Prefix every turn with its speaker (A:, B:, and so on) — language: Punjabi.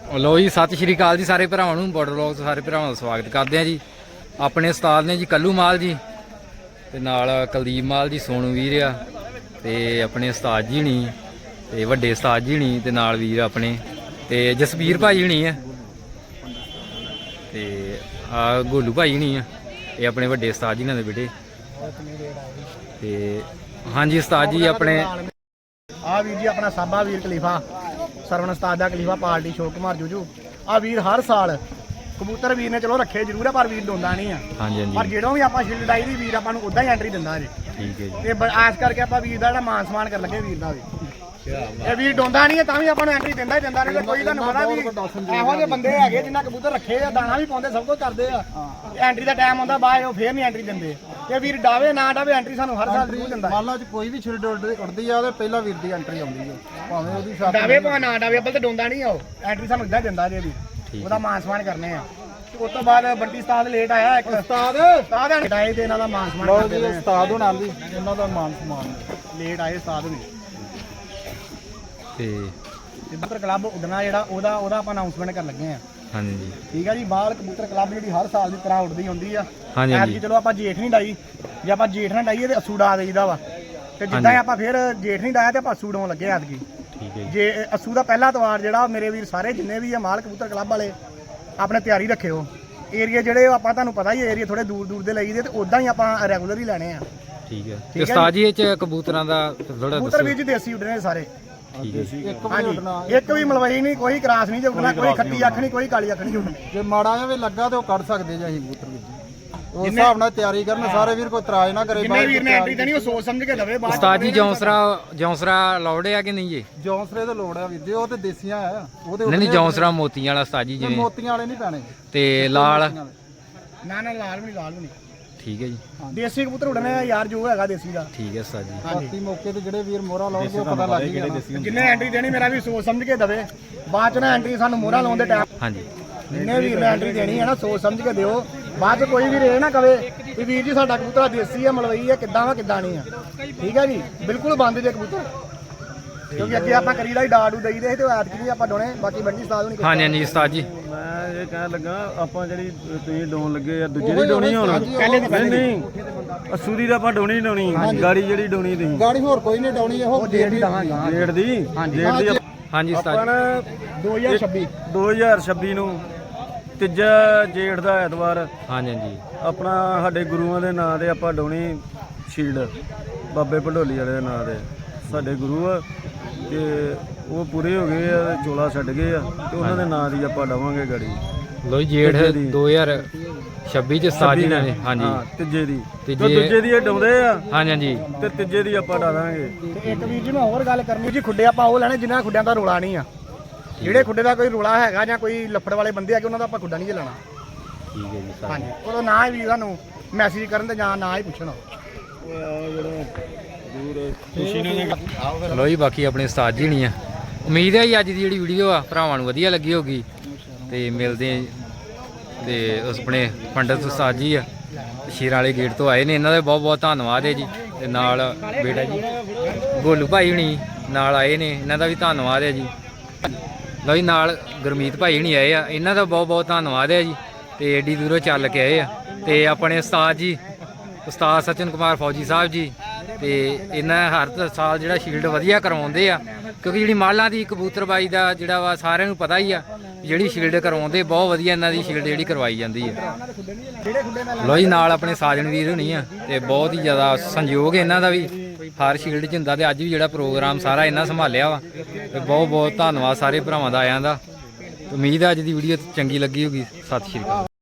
A: लो जी सत श्री अकाल जी सारे भरावां नूं बॉर्डर ब्लॉग सारे भरावां दा स्वागत करते हैं जी। अपने उस्ताद ने जी कल्लू माल जी ते नाल कुलदीप माल जी सोनू वीर आ ते अपने उस्ताद जी हनी ते वड्डे उस्ताद जी हनी ते नाल वीर अपने ते जसबीर भाई हनी है ते गोलू भाई हनी है ये अपने वड्डे उस्ताद जी ने बेटे ते हाँ जी उस्ताद जी अपने
B: आ वीर जी अपना साबा वीर खलीफा सरवण उस्ताद दा खलीफा पार्टी शोक कुमार जूजू आ वीर हर साल कबूतर वीर ने चलो रखे जरूर है पर वीर डोंदा नहीं है।
A: हाँ जी
B: पर जो भी आप शील्ड डाई दी वीर आपको उदा ही एंट्री दिंदा जी।
A: ठीक है जी
B: ते आस करके आप वीर का मान सम्मान कर लगे वीर का भी ये वीर डोंदा नहीं है तां भी आपको एंट्री दिंदा ही दिंदा नहीं कोई तुहानू पता भी एहो जे बंदे हैगे जिन्ना कबूतर रखे आ दाना भी पाउंदे सब कुछ करदे आ एंट्री दा टाइम आंदा बाद ओ फिर नहीं एंट्री दिंदे ते वीर डावे ना डावे एंट्री सानू हर साल जरूर दिंदा।
C: मान लो कोई भी छिड़ उड़दी आ ते पहला वीर दी एंट्री आउंदी है भावें ओदी छाप
B: डावे भावें ना डावे अब्बल ते डोंदा नहीं आ एंट्री सानू इदां दिंदा जे वीर ओदा मान सम्मान करने आ। उस तो बाद बंटी उस्ताद लेट आया एक उस्ताद आए ते इन्हां दा मान सम्मान करदे ने
C: उस्ताद हुणां दी इन्हां दा मान सम्मान
B: लेट आए उस्ताद हुणी
A: ते
B: कबूतर क्लब उड़ना जेहड़ा ओदा ओदा ਆਪਾਂ ਅਨਾਉਂਸਮੈਂਟ ਕਰਨ ਲੱਗੇ ਆ।
A: हाँ जी
B: ਠੀਕ ਆ ਜੀ ਬਾਹਰ ਕਬੂਤਰ ਕਲੱਬ ਜਿਹੜੀ ਹਰ ਸਾਲ ਦੀ ਤਰ੍ਹਾਂ ਉੱਡਦੀ ਹੁੰਦੀ ਆ।
A: हाँ जी हाँ जी
B: ਚਲੋ ਆਪਾਂ ਜੇਠ ਨਹੀਂ ਡਾਈ ਜੇ ਆਪਾਂ ਜੇਠ ਨਾ ਡਾਈਏ ਤੇ ਅਸੂ ਡਾ ਦੇਈਦਾ ਵਾ ਤੇ ਜਿੱਦਾਂ ਹੀ ਆਪਾਂ ਫਿਰ ਜੇਠ ਨਹੀਂ ਡਾਇਆ ਤੇ ਆਪਾਂ ਅਸੂ ਡਾਉਣ ਲੱਗੇ ਐਤਕੀ।
A: ठीक है
B: ਜੇ ਅਸੂ ਦਾ ਪਹਿਲਾ ਤਵਾਰ ਜਿਹੜਾ ਮੇਰੇ ਵੀਰ ਸਾਰੇ ਜਿੰਨੇ ਵੀ ਆ ਮਾਲ ਕਬੂਤਰ ਕਲੱਬ ਵਾਲੇ ਆਪਣੇ ਤਿਆਰੀ ਰੱਖਿਓ ਏਰੀਆ ਜਿਹੜੇ ਆਪਾਂ ਤੁਹਾਨੂੰ ਪਤਾ ਹੀ ਏਰੀਆ ਥੋੜੇ ਦੂਰ ਦੂਰ ਦੇ ਲਈਦੇ ਤੇ ਉਦਾਂ ਹੀ ਆਪਾਂ ਰੈਗੂਲਰ ਹੀ ਲੈਣੇ ਆ।
A: ठीक है ते उस्ताद जी ਇਹ ਚ ਕਬੂਤਰਾਂ ਦਾ ਥੋੜਾ
B: ਕਬੂਤਰ ਵੀਰ ਜੀ ਦੇਸੀ ਉੱਡਣੇ ਸਾਰੇ।
A: ठीक है जी
C: ਇੱਕ ਵੀ ਉੱਡਣਾ
B: ਇੱਕ ਵੀ ਮਲਵਈ ਨਹੀਂ ਕੋਈ ਕਰਾਸ ਨਹੀਂ ਜੇ ਉੱਡਣਾ ਕੋਈ ਖੱਟੀ ਅੱਖ ਨਹੀਂ ਕੋਈ ਕਾਲੀ ਅੱਖ ਨਹੀਂ ਉੱਡਣੀ।
C: ਜੇ ਮਾੜਾ ਜਿਹਾ ਵੀ ਲੱਗਾ ਤੇ ਉਹ ਕੱਢ ਸਕਦੇ ਜੇ ਅਸੀਂ ਕਬੂਤਰ ਵੀਰ ਜੀ ਉਸ ਹਿਸਾਬ ਨਾਲ ਤਿਆਰੀ ਕਰਨ ਸਾਰੇ ਵੀਰ ਕੋਈ ਇਤਰਾਜ਼ ਨਾ ਕਰੇ।
B: ਜਿੰਨੇ ਵੀਰ ਨੇ ਐਂਟਰੀ ਦੇਣੀ ਉਹ ਸੋਚ ਸਮਝ ਕੇ ਦਵੇ ਬਾਅਦ
A: ਉਸਤਾਦ ਜੀ ਜੌਂਸਰਾ ਲੋੜ ਆ ਕਿ ਨਹੀਂ ਜੀ?
C: ਜੌਂਸਰੇ ਤੇ ਲੋੜ ਆ ਵੀਰ ਜੀ ਉਹ ਤੇ ਦੇਸੀਆਂ ਆ ਉਹਦੇ
A: ਨਹੀਂ ਜੌਂਸਰਾ ਮੋਤੀਆਂ ਵਾਲਾ ਉਸਤਾਦ ਜੀ ਜਿਵੇਂ
C: ਮੋਤੀਆਂ ਵਾਲੇ ਨਹੀਂ ਪੈਣੇ
A: ਤੇ ਲਾਲ
B: ਨਾ ਨਾ ਲਾਲ ਵੀ ਨਹੀਂ
A: ਠੀਕ ਹੈ ਜੀ
B: ਦੇਸੀ ਕਬੂਤਰ ਉੱਡਣੇ ਆ ਯਾਰ ਜੋ ਹੈਗਾ ਦੇਸੀ ਦਾ।
A: ਠੀਕ ਹੈ ਉਸਤਾਦ ਜੀ
C: ਬਾਕੀ ਮੌਕੇ ਤੇ ਜਿਹੜੇ ਵੀਰ ਮੋਹਰਾ ਲਾਉਣਗੇ ਉਹ ਪਤਾ ਲੱਗ ਹੀ ਜਾਣਾ।
B: ਜਿੰਨੇ ਐਂਟਰੀ ਦੇਣੀ ਮੇਰਾ ਵੀ ਸੋਚ ਸਮਝ ਕੇ ਦਵੇ ਬਾਅਦ ਚ ਨਾ ਐਂਟਰੀ ਸਾਨੂੰ ਮੋਹਰਾ ਲਾਉਣ ਦੇ ਟਾਈਮ
A: हाँ जी
B: ਜਿੰਨੇ ਵੀਰ ਨੇ ਐਂਟਰੀ ਦੇਣੀ ਹੈ ਨਾ ਸੋਚ ਸਮਝ ਕੇ ਦਿਓ ਬਾਅਦ ਚ ਕੋਈ ਵੀ ਰੇ ਨਾ ਕਵੇ ਵੀ ਵੀਰ ਜੀ ਸਾਡਾ ਕਬੂਤਰ ਦੇਸੀ ਆ ਮਲਵਈ ਆ ਕਿੱਦਾਂ ਵਾ ਕਿੱਦਾਂ ਨਹੀਂ ਆ। ਠੀਕ ਹੈ ਜੀ ਬਿਲਕੁਲ ਬੰਦ ਜੇ ਕਬੂਤਰ ਕਿਉਂਕਿ ਅੱਗੇ ਆਪਾਂ ਕਰੀਦਾ ਹੀ ਡਾਡੂ ਦੇਈਦੇ ਸੀ ਤੇ ਐਤਕੀ ਵੀ ਆਪਾਂ ਡੋਣੇ ਬਾਕੀ ਬੰਡੀ ਉਸਤਾਦ ਨਹੀਂ
A: हाँ जी हाँ जी उस्ताद जी
D: ਮੈਂ ਇਹ ਕਹਿਣ ਲੱਗਾ ਆਪਾਂ ਜਿਹੜੀ ਤੁਸੀਂ ਡੋਨ ਲੱਗੇ ਆ ਦੂਜੇ ਦੀ ਡੋਣੀ ਹੁਣ ਨਹੀਂ ਅਸੂਰੀ ਦਾ ਆਪਾਂ ਡੋਣੀ ਡੋਣੀ ਗਾੜੀ ਜਿਹੜੀ ਡੋਣੀ ਤੁਸੀਂ
C: ਗਾੜੀ ਹੋਰ ਕੋਈ ਨਹੀਂ ਡਾਉਣੀ ਇਹੋ
B: ਡੇਟ ਹੀ ਦਵਾਂਗੇ
D: ਡੇਟ ਦੀ
A: हाँ जी
D: ਆਪਾਂ
A: उस्ताद
D: ਨਾ
B: 2026
D: 2026 ਨੂੰ ਤੀਜਾ ਜੇਠ ਦਾ ਐਤਵਾਰ
A: हाँ जी हाँ जी
D: ਆਪਣਾ ਸਾਡੇ ਗੁਰੂਆਂ ਦੇ ਨਾਂ ਤੇ ਆਪਾਂ ਡੋਣੀ ਸ਼ੀਲਡ ਬਾਬੇ ਭੰਡੋਲੀ ਵਾਲੇ ਦੇ ਨਾਂ ਤੇ ਸਾਡੇ ਗੁਰੂ ਆ ਤੇ ਉਹ ਪੂਰੇ ਹੋ ਗਏ ਆ ਤੇ ਚੋਲਾ ਛੱਡ ਗਏ ਆ ਤੇ ਉਹਨਾਂ ਦੇ ਨਾਂ ਦੀ ਆਪਾਂ ਡਾਵਾਂਗੇ ਗਾੜੀ
A: लो जी जेठ 2026 ਚ ਉਸਤਾਦ ਜੀ ਨੇ हाँ जी
D: ਤੀਜੇ ਦੀ
A: ਤੀਜੇ-
D: ਤੇ ਦੂਜੇ ਦੀ ਇਹ ਡਾਉਂਦੇ ਆ
A: हाँ जी हाँ जी
D: ਤੇ ਤੀਜੇ ਦੀ ਆਪਾਂ ਡਾਵਾਂਗੇ।
B: ਤੇ ਇੱਕ ਵੀਰ ਜੀ ਮੈਂ ਹੋਰ ਗੱਲ ਕਰਨੀ ਜੀ ਖੁੱਡੇ ਆਪਾਂ ਉਹ ਲੈਣੇ ਜਿਨ੍ਹਾਂ ਖੁੱਡਿਆਂ ਦਾ ਰੋਲਾ ਨਹੀਂ ਆ। ਜਿਹੜੇ ਖੁੱਡੇ ਦਾ ਕੋਈ ਰੋਲਾ ਹੈਗਾ ਜਾਂ ਕੋਈ ਲੱਫੜ ਵਾਲੇ ਬੰਦੇ ਆ ਕਿ ਉਹਨਾਂ ਦਾ ਆਪਾਂ ਖੁੱਡਾ ਨਹੀਂ ਚਲਾਣਾ।
A: ठीक है जी उस्ताद
B: ਹਾਂਜੀ ਉਦੋਂ ਨਾ ਹੀ ਵੀ ਸਾਨੂੰ ਮੈਸੇਜ ਕਰਨ ਤੇ ਜਾਂ ਨਾ ਹੀ ਪੁੱਛਣਾ।
A: ਲੋ ਜੀ ਬਾਕੀ ਆਪਣੇ ਉਸਤਾਦ ਜੀ ਨਹੀਂ ਆ ਉਮੀਦ ਹੈ ਜੀ ਅੱਜ ਦੀ ਜਿਹੜੀ ਵੀਡੀਓ ਆ ਭਰਾਵਾਂ ਨੂੰ ਵਧੀਆ ਲੱਗੀ ਹੋਗੀ ਤੇ ਮਿਲਦੇ ਆ ਤੇ ਉਸ ਆਪਣੇ ਪੰਡਤ ਉਸਤਾਦ ਜੀ ਆ ਸ਼ੇਰਾਂ ਵਾਲੇ ਗੇਟ ਤੋਂ ਆਏ ਨੇ ਇਹਨਾਂ ਦਾ ਬਹੁਤ ਬਹੁਤ ਧੰਨਵਾਦ ਹੈ ਜੀ ਤੇ ਨਾਲ ਬੇਟਾ ਜੀ ਗੋਲੂ ਭਾਈ ਹੁਣੀ ਨਾਲ ਆਏ ਨੇ ਇਹਨਾਂ ਦਾ ਵੀ ਧੰਨਵਾਦ ਹੈ ਜੀ। ਲਓ ਜੀ ਨਾਲ ਗੁਰਮੀਤ ਭਾਈ ਹੁਣੀ ਆਏ ਆ ਇਹਨਾਂ ਦਾ ਬਹੁਤ ਬਹੁਤ ਧੰਨਵਾਦ ਹੈ ਜੀ ਤੇ ਏਡੀ ਦੂਰੋਂ ਚੱਲ ਕੇ ਆਏ ਆ ਤੇ ਆਪਣੇ ਉਸਤਾਦ ਜੀ ਉਸਤਾਦ ਸਚਨ ਕੁਮਾਰ ਫੌਜੀ ਸਾਹਿਬ ਜੀ ਤੇ ਇਹਨਾਂ ਹਰ ਸਾਲ ਜਿਹੜਾ ਸ਼ੀਲਡ ਵਧੀਆ ਕਰਵਾਉਂਦੇ ਆ ਕਿਉਂਕਿ ਜਿਹੜੀ ਮਾਲਾਂ ਦੀ ਕਬੂਤਰਬਾਈ ਦਾ ਜਿਹੜਾ ਵਾ ਸਾਰਿਆਂ ਨੂੰ ਪਤਾ ਹੀ ਆ ਜਿਹੜੀ ਸ਼ੀਲਡ ਕਰਵਾਉਂਦੇ ਬਹੁਤ ਵਧੀਆ ਇਹਨਾਂ ਦੀ ਸ਼ੀਲਡ ਜਿਹੜੀ ਕਰਵਾਈ ਜਾਂਦੀ ਹੈ। ਲੋ ਜੀ ਨਾਲ ਆਪਣੇ ਸਾਜਣ ਵੀਰ ਹੋਣੀ ਆ ਤੇ ਬਹੁਤ ਹੀ ਜ਼ਿਆਦਾ ਸੰਯੋਗ ਇਹਨਾਂ ਦਾ ਵੀ ਹਰ ਸ਼ੀਲਡ 'ਚ ਹੁੰਦਾ ਤੇ ਅੱਜ ਵੀ ਜਿਹੜਾ ਪ੍ਰੋਗਰਾਮ ਸਾਰਾ ਇਹਨਾਂ ਸੰਭਾਲਿਆ ਵਾ ਤੇ ਬਹੁਤ ਬਹੁਤ ਧੰਨਵਾਦ ਸਾਰੇ ਭਰਾਵਾਂ ਦਾ ਆਇਆਂ ਦਾ। ਉਮੀਦ ਆ ਅੱਜ ਦੀ ਵੀਡੀਓ ਚੰਗੀ ਲੱਗੀ ਹੋਗੀ। ਸਤਿ ਸ਼੍ਰੀ ਅਕਾਲ।